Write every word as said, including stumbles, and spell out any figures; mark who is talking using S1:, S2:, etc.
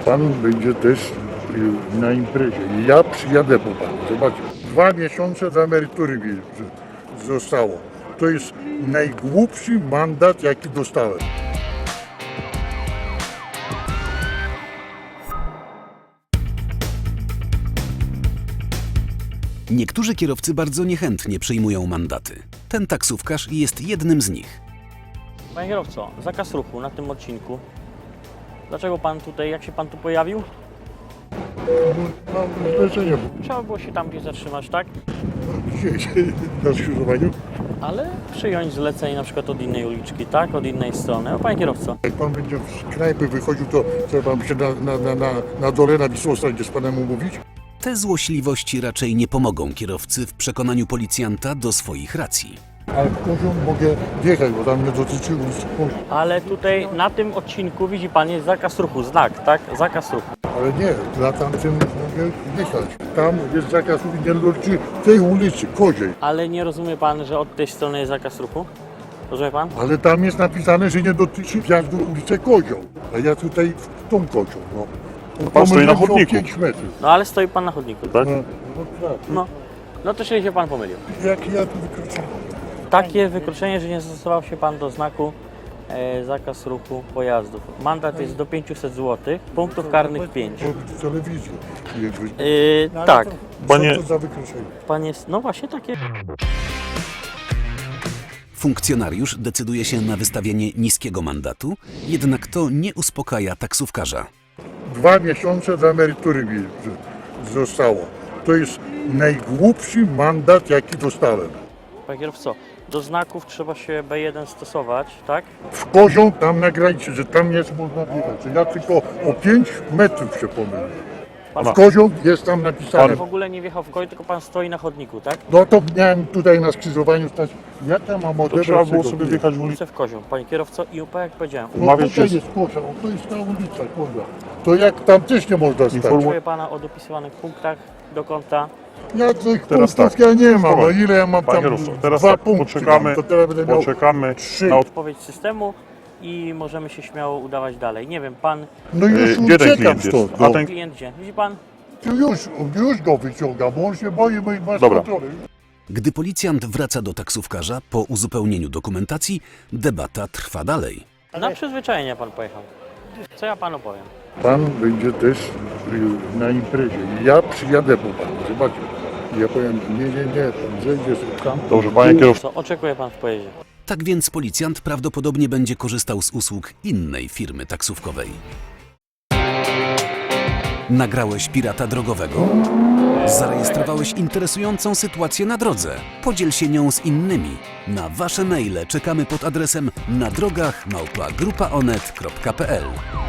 S1: Pan będzie też y, na imprezie. Ja przyjadę po panu. Zobaczcie. Dwa miesiące do emerytury mi z- zostało. To jest najgłupszy mandat, jaki dostałem.
S2: Niektórzy kierowcy bardzo niechętnie przyjmują mandaty. Ten taksówkarz jest jednym z nich.
S3: Panie kierowco, zakaz ruchu na tym odcinku. Dlaczego pan tutaj, jak się pan tu pojawił?
S1: Mam zlecenie.
S3: Trzeba było się tam gdzieś zatrzymać, tak?
S1: Dzisiaj na skrzyżowaniu.
S3: Ale przyjąć zlecenie na przykład od innej uliczki, tak? Od innej strony. O, panie kierowco,
S1: Jak pan będzie z knajpy wychodził, to trzeba pan się na, na, na, na, na dole na Wisłostanie z panem umówić.
S2: Te złośliwości raczej nie pomogą kierowcy w przekonaniu policjanta do swoich racji.
S1: Ale w poziom mogę wjechać, bo tam nie dotyczy ulicy Poziom.
S3: ale tutaj na tym odcinku widzi pan jest zakaz ruchu, znak, tak? Zakaz ruchu.
S1: Ale nie, na tamtym mogę wjechać. Tam jest zakaz ruchu, nie dotyczy tej ulicy, Koziej.
S3: Ale nie rozumie pan, że od tej strony jest zakaz ruchu? Rozumie pan?
S1: Ale tam jest napisane, że nie dotyczy wjazdu w ulicę Kozią. A ja tutaj w tą Kozią, no.
S4: Pan stoi na
S1: Pomyliłem się o
S4: chodniku.
S1: pięć metrów.
S3: No ale stoi pan na chodniku.
S4: Tak?
S1: No, no tak.
S3: No, no to się pan pomylił.
S1: Jak ja tu wykroczyłem?
S3: Takie wykroczenie, że nie zastosował się pan do znaku e, zakaz ruchu pojazdów. Mandat jest do pięćset złotych, punktów karnych pięć.
S1: W telewizji.
S3: Yy, tak,
S4: Panie-
S1: Co to za wykroczenie?
S3: pan jest, no właśnie takie.
S2: Funkcjonariusz decyduje się na wystawienie niskiego mandatu, jednak to nie uspokaja taksówkarza.
S1: Dwa miesiące do emerytury mi z- zostało. To jest najgłupszy mandat, jaki dostałem.
S3: Panie kierowco, do znaków trzeba się B jeden stosować, tak?
S1: W Kozią tam na granicy, że tam nie można wjechać. Że ja tylko o pięć metrów się pomyliłem. A w Kozią jest tam
S3: Pan
S1: napisane.
S3: w ogóle nie wjechał w koń, tylko pan stoi na chodniku, tak?
S1: No to miałem tutaj na skrzyżowaniu stać. Ja tam mam
S4: To
S1: odebrać
S4: trzeba było
S1: tego
S4: sobie
S1: biegu.
S4: wjechać w ulicę.
S3: Chcę w kozią, panie kierowco, i tak jak powiedziałem,
S1: No
S4: Umawiać
S1: tutaj
S4: się z-
S1: jest Kozia, to jest ta ulica, kurwa. To jak tam też nie można stać.
S4: Informu-
S3: informuję pana o dopisywanych punktach do konta.
S1: Ja tych
S4: Teraz
S1: punktów
S4: tak.
S1: ja nie mam, no
S4: Spokojnie.
S1: ile ja mam
S4: Panie
S1: tam?
S4: kierowco, teraz
S1: Dwa
S4: tak,
S1: punkty
S4: poczekamy,
S1: mam, to teraz będę miał
S4: poczekamy
S1: trzy.
S4: na od...
S3: Odpowiedź systemu i możemy się śmiało udawać dalej. Nie wiem, pan
S1: No już
S4: Yy, Gdzie ten
S1: uciekam
S4: klient jest?
S1: stąd.
S4: A
S1: No.
S4: ten...
S3: klient gdzie? Widzi pan?
S1: Już, już go wyciągam, bo on się boi mojej masz
S4: Dobra.
S1: kontroli.
S2: Gdy policjant wraca do taksówkarza po uzupełnieniu dokumentacji, debata trwa dalej.
S3: Na przyzwyczajenie pan pojechał. Co ja panu powiem?
S1: Pan będzie też y, na imprezie. Ja przyjadę po panu, zobaczcie. Ja powiem, nie, nie, nie, pan zejdzie sobie tam.
S4: Dobrze, panie kierowco.
S3: Co oczekuje pan w pojeździe?
S2: Tak więc policjant prawdopodobnie będzie korzystał z usług innej firmy taksówkowej. Nagrałeś pirata drogowego? Zarejestrowałeś interesującą sytuację na drodze? Podziel się nią z innymi. Na wasze maile czekamy pod adresem na drogach małpa grupa onet kropka p l.